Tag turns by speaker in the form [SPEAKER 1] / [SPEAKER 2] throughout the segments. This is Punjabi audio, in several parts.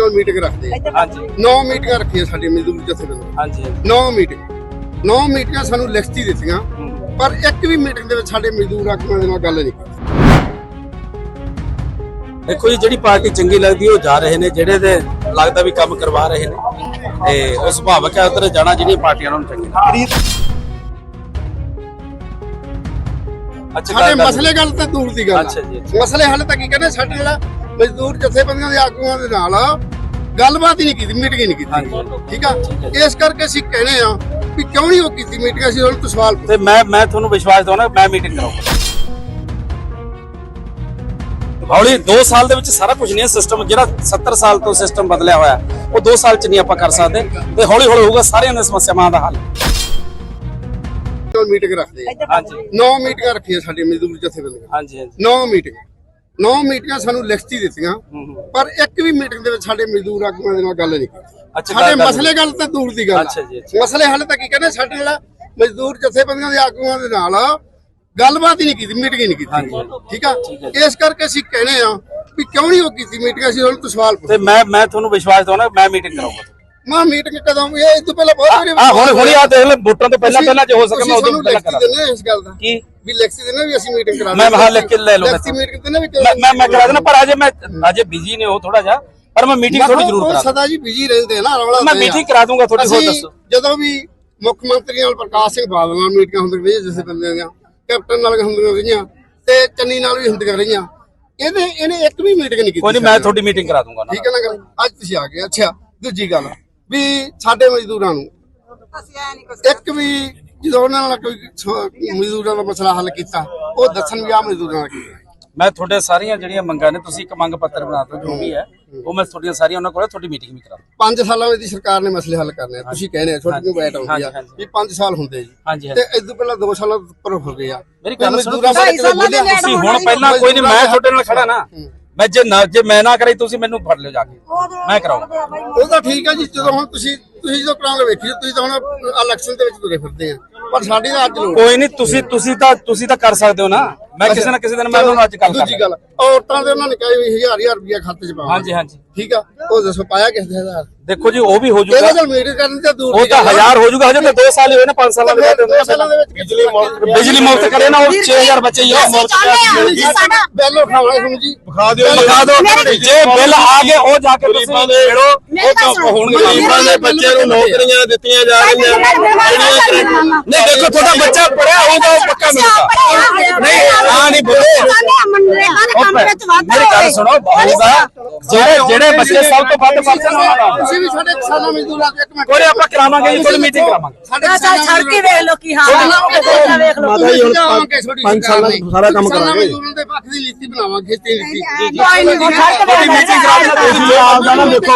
[SPEAKER 1] मीटिंग रखते हैं।
[SPEAKER 2] हाँ जी
[SPEAKER 1] 9 मीटिंग रखी साडी मजदूर जथेबंदी।
[SPEAKER 2] हाँ जी
[SPEAKER 1] 9 मीटिंग सानू लिखती दित्तियां पर एक भी मीटिंग दे विच साडे मजदूर आगूआं दे नाल गल नहीं कीती।
[SPEAKER 2] देखो जी जिहड़ी पार्टी चंगी लगदी है जा रहे ने, जेड़े दे लगदा भी काम करवा रहे ने ते उस सुभावक है उधर जाना जिहड़ी पार्टियां नाल चंगी लगदी। अच्छा
[SPEAKER 1] साडे मसले गल ते दूर दी गल।
[SPEAKER 2] अच्छा जी
[SPEAKER 1] मसले हल तक की कहने साडे नाल मजदूर जथेबंदियां दे आगूआं दे नाल गलबात ही नहीं की, मीटिंग ही नहीं की। ठीक है इस करके ਅਸੀਂ कहने आ ਵੀ ਕਿਉਂ ਨਹੀਂ ਉਹ ਕੀਤੀ ਮੀਟਿੰਗ। ਅਸੀਂ ਉਹਨਾਂ ਤੋਂ ਸਵਾਲ
[SPEAKER 2] ਤੇ ਮੈਂ ਤੁਹਾਨੂੰ ਵਿਸ਼ਵਾਸ ਦਵਾਉਣਾ ਮੈਂ ਮੀਟਿੰਗ ਕਰਾਉਂਗਾ। ਹੌਲੀ 2 ਸਾਲ ਦੇ ਵਿੱਚ ਸਾਰਾ ਕੁਝ ਨਹੀਂ ਹੈ। ਸਿਸਟਮ ਜਿਹੜਾ 70 ਸਾਲ ਤੋਂ ਸਿਸਟਮ ਬਦਲਿਆ ਹੋਇਆ ਉਹ 2 ਸਾਲ ਚ ਨਹੀਂ ਆਪਾਂ ਕਰ ਸਕਦੇ ਤੇ ਹੌਲੀ ਹੌਲੀ ਹੋਊਗਾ ਸਾਰਿਆਂ ਦੀਆਂ ਸਮੱਸਿਆਵਾਂ ਦਾ ਹੱਲ।
[SPEAKER 1] ਮੀਟਿੰਗ ਰੱਖਦੇ ਆ।
[SPEAKER 2] ਹਾਂਜੀ
[SPEAKER 1] 9 ਮੀਟਿੰਗਾਂ ਰੱਖੀਆਂ ਸਾਡੀ ਮਜ਼ਦੂਰ ਜਥੇਬੰਦੀਆਂ।
[SPEAKER 2] ਹਾਂਜੀ
[SPEAKER 1] 9 ਮੀਟਿੰਗਾਂ ਸਾਨੂੰ ਲਿਖਤੀ ਦਿੱਤੀਆਂ ਪਰ ਇੱਕ ਵੀ ਮੀਟਿੰਗ ਦੇ ਵਿੱਚ ਸਾਡੇ ਮਜ਼ਦੂਰ ਆਗੂਆਂ ਦੇ ਨਾਲ ਗੱਲ ਨਹੀਂ ਕੀਤੀ।
[SPEAKER 2] ਅੱਛਾ
[SPEAKER 1] ਸਾਡੇ ਮਸਲੇ ਗੱਲ ਤੇ ਦੂਰ ਦੀ ਗੱਲ।
[SPEAKER 2] ਅੱਛਾ ਜੀ
[SPEAKER 1] ਮਸਲੇ ਹੱਲ ਤੱਕ ਕੀ ਕਹਿੰਦੇ ਸਾਡੇ ਨਾਲ ਮਜ਼ਦੂਰ ਜਥੇਬੰਦੀਆਂ ਦੇ ਆਗੂਆਂ ਦੇ ਨਾਲ ਗੱਲਬਾਤ ਹੀ ਨਹੀਂ ਕੀਤੀ, ਮੀਟਿੰਗ ਹੀ ਨਹੀਂ ਕੀਤੀ। ਠੀਕ ਆ ਇਸ ਕਰਕੇ ਅਸੀਂ ਕਹਿੰਦੇ ਆ ਵੀ ਕਿਉਂ ਨਹੀਂ ਉਹ ਕੀਤੀ ਮੀਟਿੰਗ। ਅਸੀਂ ਉਹਨਾਂ ਤੋਂ ਸਵਾਲ
[SPEAKER 2] ਤੇ ਮੈਂ ਤੁਹਾਨੂੰ ਵਿਸ਼ਵਾਸ ਦਵਾਉਣਾ ਮੈਂ ਮੀਟਿੰਗ ਕਰਾਉਂਗਾ।
[SPEAKER 1] ਮੈਂ ਮੀਟਿੰਗ ਕਦੋਂ ਇਹ ਇਸ ਤੋਂ ਪਹਿਲਾਂ ਬਹੁਤ ਵਾਰੀ
[SPEAKER 2] ਹੁਣ ਆ ਦੇਖ ਲੈ ਵੋਟਾਂ ਤੋਂ ਪਹਿਲਾਂ ਜੇ ਹੋ ਸਕੇ ਮੈਂ ਉਦੋਂ ਪਹਿਲਾਂ ਕਰਾਂ
[SPEAKER 1] ਇਸ ਗੱਲ ਦਾ
[SPEAKER 2] ਕੀ
[SPEAKER 1] ਵੀ ਲਿਖਤੀ ਦੇਣਾ ਵੀ ਅਸੀਂ ਮੀਟਿੰਗ ਕਰਾ
[SPEAKER 2] ਮੈਂ ਹਾਲ ਲਿਖ ਕੇ ਲੈ ਲਓ
[SPEAKER 1] ਲਿਖਤੀ ਮੀਟਿੰਗ ਦੇਣਾ ਵੀ
[SPEAKER 2] ਮੈਂ ਕਰਾ ਦੇਣਾ ਪਰ ਅਜੇ ਬਿਜੀ ਨੇ ਉਹ ਥੋੜਾ ਜਿਹਾ ਪਰ ਮੈਂ ਮੀਟਿੰਗ ਥੋੜੀ ਜ਼ਰੂਰ ਕਰਾ
[SPEAKER 1] ਸਦਾ ਜੀ ਬਿਜੀ ਰਹਿੰਦੇ ਨਾ ਰੌਲਾ
[SPEAKER 2] ਮੈਂ ਮੀਟਿੰਗ ਕਰਾ ਦੂੰਗਾ ਥੋੜੀ ਹੋਰ ਦੱਸੋ।
[SPEAKER 1] ਜਦੋਂ ਵੀ ਮੁੱਖ ਮੰਤਰੀ ਨਾਲ ਪ੍ਰਕਾਸ਼ ਸਿੰਘ ਬਾਦਲ ਨਾਲ ਮੀਟਿੰਗਾਂ ਹੁੰਦੀਆਂ ਰਹੀਆਂ ਜਿਸੇ ਬੰਦਿਆਂ ਦੀਆਂ ਕੈਪਟਨ ਨਾਲ ਹੁੰਦੀਆਂ ਰਹੀਆਂ ਤੇ ਚੰਨੀ ਨਾਲ ਵੀ ਹੁੰਦੀਆਂ ਰਹੀਆਂ ਇਹਨੇ ਇੱਕ ਵੀ ਮੀਟਿੰਗ ਨਹੀਂ ਕੀਤੀ।
[SPEAKER 2] ਕੋਈ ਨਹੀਂ ਮੈਂ ਤੁਹਾਡੀ ਮੀਟਿੰਗ ਕਰਾ ਦੂੰਗਾ।
[SPEAKER 1] ਠੀਕ ਹੈ ਨਾ ਗੱਲ ਅੱਜ ਤੁਸੀਂ ਆ ਗਏ। ਅੱਛਾ ਦੂਜੀ ਗੱਲ ਵੀ ਸਾਡੇ ਮਜ਼ਦੂਰਾਂ ਨੂੰ ਇੱਕ ਵੀ ਜਦੋਂ ਉਹਨਾਂ ਨਾਲ ਕੋਈ ਮਜ਼ਦੂਰਾਂ ਦਾ ਮਸਲਾ ਹੱਲ ਕੀਤਾ ਉਹ ਦੱਸਣ ਵੀ ਆ ਮਜ਼ਦੂਰਾਂ ਨਾਲ ਕੀਤਾ।
[SPEAKER 2] ਮੈਂ ਤੁਹਾਡੇ ਸਾਰੀਆਂ ਜਿਹੜੀਆਂ ਮੰਗਾਂ ਨੇ ਤੁਸੀਂ ਇੱਕ ਮੰਗ ਪੱਤਰ ਬਣਾ ਦਿਓ ਜੋ ਵੀ ਹੈ ਉਹ ਮੈਂ ਤੁਹਾਡੀਆਂ ਸਾਰੀਆਂ ਉਹਨਾਂ ਕੋਲ ਤੁਹਾਡੀ ਮੀਟਿੰਗ ਵੀ ਕਰਾ ਦੂੰ।
[SPEAKER 1] 5 ਸਾਲਾਂ ਵਿੱਚ ਸਰਕਾਰ ਨੇ ਮਸਲੇ ਹੱਲ ਕਰਨੇ ਆ। ਤੁਸੀਂ ਕਹਿੰਦੇ ਤੁਹਾਡੀ ਨੂੰ ਬੈਠ ਆਉਂਦੀ ਆ ਵੀ 5 ਸਾਲ ਹੁੰਦੇ ਜੀ
[SPEAKER 2] ਹਾਂਜੀ
[SPEAKER 1] ਤੇ ਇਸ ਤੋਂ ਪਹਿਲਾਂ 2 ਸਾਲਾਂ ਉੱਪਰ ਹੋ ਗਏ ਆ।
[SPEAKER 2] ਮੇਰੀ ਗੱਲ ਸੁਣੋ ਤੁਸੀਂ ਹੁਣ ਪਹਿਲਾਂ ਕੋਈ ਨਹੀਂ ਮੈਂ ਤੁਹਾਡੇ ਨਾਲ ਖੜਾ ਨਾ ਮੈਂ ਜੇ ਮੈਂ ਨਾ ਕਰਾਈ ਤੁਸੀਂ ਮੈਨੂੰ ਫੜ ਲਿਓ ਜਾ ਕੇ ਮੈਂ ਕਰਾਉਂਗਾ।
[SPEAKER 1] ਉਹ ਤਾਂ ਠੀਕ ਆ ਜੀ ਜਦੋਂ ਹੁਣ ਤੁਸੀਂ ਜਦੋਂ ਕਰਾਉਂਗੇ ਵੇਖੀ ਤੁਸੀਂ ਤਾਂ ਹੁਣ ਇਲੈਕਸ਼ਨ ਦੇ ਵਿੱਚ ਤੁਰੇ ਫਿਰਦੇ ਆ ਪਰ ਸਾਡੀ ਤਾਂ ਅੱਜ ਲੋੜ
[SPEAKER 2] ਕੋਈ ਨਹੀਂ ਤੁਸੀਂ ਤਾਂ ਕਰ ਸਕਦੇ ਹੋ ਨਾ। ਮੈਂ ਕਿਸੇ ਨਾ ਕਿਸੇ ਦਿਨ ਮੈਂ ਤੁਹਾਨੂੰ ਅੱਜ ਗੱਲ
[SPEAKER 1] ਦੂਜੀ ਗੱਲ ਔਰਤਾਂ ਦੇ ਉਹਨਾਂ ਨੇ ਕਿਹਾ ਵੀ 1000 ਰੁਪਇਆ ਖਾਤੇ 'ਚ ਪਾਵਾਂ।
[SPEAKER 2] ਹਾਂਜੀ
[SPEAKER 1] ਠੀਕ ਆ ਉਹ ਦੱਸੋ ਪਾਇਆ ਕਿਸ ਦੇ ਹਜ਼ਾਰ।
[SPEAKER 2] ਦੇਖੋ ਜੀ ਉਹ ਵੀ ਹੋ ਜਾਊਗਾ।
[SPEAKER 1] ਇਹਦੇ ਨਾਲ ਮੀਟਿੰਗ ਕਰਨ ਤੇ ਦੂਰ
[SPEAKER 2] ਉਹ ਤਾਂ 1000 ਹੋ ਜਾਊਗਾ। ਹਜੇ ਤਾਂ 2 ਸਾਲ ਹੀ ਹੋਏ ਨੇ 5 ਸਾਲਾਂ ਦੇ ਬਾਅਦ ਬਿਜਲੀ ਮੁਫਤ ਕਰੇ ਨਾ ਉਹ 6000 ਬੱਚੇ ਹੀ
[SPEAKER 1] ਬਿੱਲ ਉਠਾਉਣਾ ਤੁਹਾਨੂੰ ਜੀ
[SPEAKER 2] ਵਿਖਾ ਦਿਓ ਜੇ ਬਿੱਲ ਆ ਗਏ ਉਹ ਜਾ ਕੇ ਤੁਸੀਂ ਛੇੜੋ ਉਹ ਹੋਣਗੇ।
[SPEAKER 3] ਗਰੀਬਾਂ ਦੇ ਬੱਚਿਆਂ ਨੂੰ ਨੌਕਰੀਆਂ ਦਿੱਤੀਆਂ ਜਾ ਰਹੀਆਂ
[SPEAKER 2] ਨਹੀਂ ਦੇਖੋ ਤੁਹਾਡਾ ਬੱਚਾ ਪੜਿਆ ਹੋਊਗਾ ਉਹ ਪੱਕਾ ਮਿਲੂਗਾ। ਨਹੀਂ ਆ ਨਹੀਂ ਬੋਲੇ ਮੇਰੀ ਗੱਲ ਸੁਣੋ ਹੋਊਗਾ ਜਿਹੜੇ ਬੱਚੇ ਸਭ ਤੋਂ ਵੱਧ ਪਰਸਨ
[SPEAKER 1] ਤੁਸੀਂ ਵੀ ਸਾਡੇ ਕਿਸਾਨਾਂ ਮਜ਼ਦੂਰਾਂ ਦੇ ਇੱਕ ਮਿੰਟ
[SPEAKER 2] ਕੋਈ ਆਪਾਂ ਕਰਾਵਾਂਗੇ ਜੀ ਕੋਈ ਮੀਟਿੰਗ ਕਰਾਵਾਂਗੇ।
[SPEAKER 1] ਸਾਡੇ
[SPEAKER 4] ਛੜ ਕੇ ਵੇਖ ਲੋ ਕੀ ਹਾਲ ਹੈ ਵੇਖ ਲੋ
[SPEAKER 3] ਮਾਤਾ ਜੀ ਹੁਣ 5 ਸਾਲਾਂ ਦਾ ਸਾਰਾ ਕੰਮ ਕਰਾਂਗੇ।
[SPEAKER 1] ਮਜ਼ਦੂਰਾਂ ਦੇ ਪੱਖ ਦੀ ਨੀਤੀ ਬਣਾਵਾਂਗੇ ਖੇਤੀ ਨੀਤੀ।
[SPEAKER 4] ਕੋਈ ਨਹੀਂ ਛੜ ਕੇ
[SPEAKER 2] ਮੀਟਿੰਗ ਕਰਾ ਦੇਣਾ ਤੁਸੀਂ
[SPEAKER 3] ਆਪ ਦਾ ਨਾ ਦੇਖੋ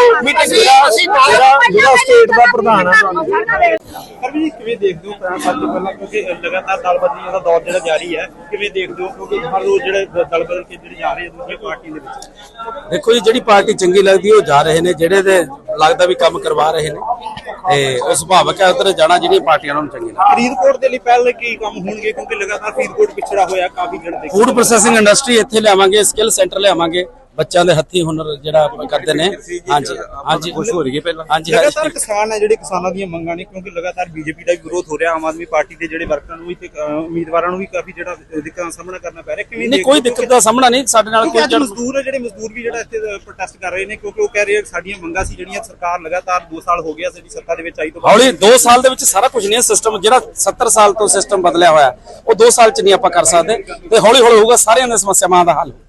[SPEAKER 3] ਜਿਹੜਾ ਸਟੇਟ ਦਾ ਪ੍ਰਧਾਨ ਆ
[SPEAKER 5] ਸਰ ਜੀ ਕਿਵੇਂ ਦੇਖਦੇ ਹੋ ਸਭ ਤੋਂ ਪਹਿਲਾਂ ਕਿਉਂਕਿ ਲਗਾਤਾਰ ਦਲ ਬਦਲੀ ਦਾ ਦੌਰ ਜਿਹੜਾ ਜਾਰੀ ਹੈ ਕਿਵੇਂ ਦੇਖਦੇ ਹੋ ਕਿਉਂਕਿ ਹਰ ਰੋਜ਼ ਜਿਹੜੇ ਦਲ ਬਦਲ ਕੇ ਜਿਹੜੇ ਜਾ ਰਹੇ ਦੂਜੀ ਪਾਰਟੀ ਦੇ ਵਿੱਚ।
[SPEAKER 2] ਦੇਖੋ ਜੀ ਜਿਹੜੀ ਪਾਰਟੀ ਚੰਗੀ ਲੱਗਦੀ ਉਹ ਜਾ ਰਹੇ ਨੇ, ਜਿਹੜੇ ਦੇ ਲੱਗਦਾ ਵੀ ਕੰਮ ਕਰਵਾ ਰਹੇ ਨੇ ਤੇ ਉਹ ਸੁਭਾਵਕ ਹੈ ਉਧਰ ਜਾਣਾ ਜਿਹੜੀਆਂ ਪਾਰਟੀਆਂ ਨੂੰ ਚੰਗੀ ਲੱਗਦੀ।
[SPEAKER 5] ਫਰੀਦਕੋਟ ਦੇ ਲਈ ਪਹਿਲੇ ਕੀ ਕੰਮ ਹੋਣਗੇ ਕਿਉਂਕਿ ਲਗਾਤਾਰ ਫਰੀਦਕੋਟ ਪਿਛੜਾ ਹੋਇਆ ਕਾਫੀ ਜਿਹੜੇ
[SPEAKER 2] ਫੂਡ ਪ੍ਰੋਸੈਸਿੰਗ ਇੰਡਸਟਰੀ ਇੱਥੇ ਲਿਆਵਾਂਗੇ, ਸਕਿੱਲ ਸੈਂਟਰ ਲਿਆਵਾਂਗੇ, ਬੱਚਿਆਂ ਦੇ ਹੱਥੀਂ ਹੁਨਰ ਜਿਹੜਾ ਕਰਦੇ ਨੇ। ਹਾਂਜੀ
[SPEAKER 3] ਖੁਸ਼ ਹੋ ਰਹੀ ਹੈ ਪਹਿਲਾਂ
[SPEAKER 2] ਹਾਂਜੀ
[SPEAKER 5] ਲਗਾਤਾਰ ਕਿਸਾਨ ਹੈ ਜਿਹੜੇ ਕਿਸਾਨਾਂ ਦੀਆਂ ਮੰਗਾਂ ਨੇ ਕਿਉਂਕਿ ਲਗਾਤਾਰ ਬੀਜੇਪੀ ਦਾ ਵੀ ਵਿਰੋਧ ਹੋ ਰਿਹਾ, ਆਮ ਆਦਮੀ ਪਾਰਟੀ ਦੇ ਜਿਹੜੇ ਵਰਕਰਾਂ ਨੂੰ ਵੀ ਤੇ ਉਮੀਦਵਾਰਾਂ ਨੂੰ ਵੀ ਕਾਫੀ ਜਿਹੜਾ ਦਿੱਕਤਾਂ ਦਾ ਸਾਹਮਣਾ ਕਰਨਾ ਪੈ ਰਿਹਾ। ਕਿਵੇਂ
[SPEAKER 2] ਨਹੀਂ ਕੋਈ ਦਿੱਕਤ ਦਾ ਸਾਹਮਣਾ ਨਹੀਂ ਸਾਡੇ ਨਾਲ ਕੋਈ
[SPEAKER 5] ਮਜ਼ਦੂਰ ਵੀ ਜਿਹੜਾ ਇੱਥੇ ਪ੍ਰੋਟੈਸਟ ਕਰ ਰਹੇ ਨੇ ਕਿਉਂਕਿ ਉਹ ਕਹਿ ਰਹੇ ਸਾਡੀਆਂ ਮੰਗਾਂ ਸੀ ਜਿਹੜੀਆਂ ਸਰਕਾਰ ਲਗਾਤਾਰ 2 ਸਾਲ ਹੋ ਗਿਆ ਸਾਡੀ ਸੱਤਾ ਦੇ ਵਿੱਚ ਆਈ ਤੋਂ
[SPEAKER 2] ਹੌਲੀ 2 ਸਾਲ ਦੇ ਵਿੱਚ ਸਾਰਾ ਕੁਝ ਨਹੀਂ ਹੈ। ਸਿਸਟਮ ਜਿਹੜਾ 70 ਸਾਲ ਤੋਂ ਸਿਸਟਮ ਬਦਲਿਆ ਹੋਇਆ ਉਹ 2 ਸਾਲ ਚ ਨਹੀਂ ਆਪਾਂ ਕਰ ਸਕਦੇ ਤੇ ਹੌਲੀ ਹੌਲੀ ਹੋਊਗਾ ਸਾਰਿਆਂ ਦੀਆਂ ਸਮੱਸਿਆਵਾਂ ਦਾ ਹੱਲ।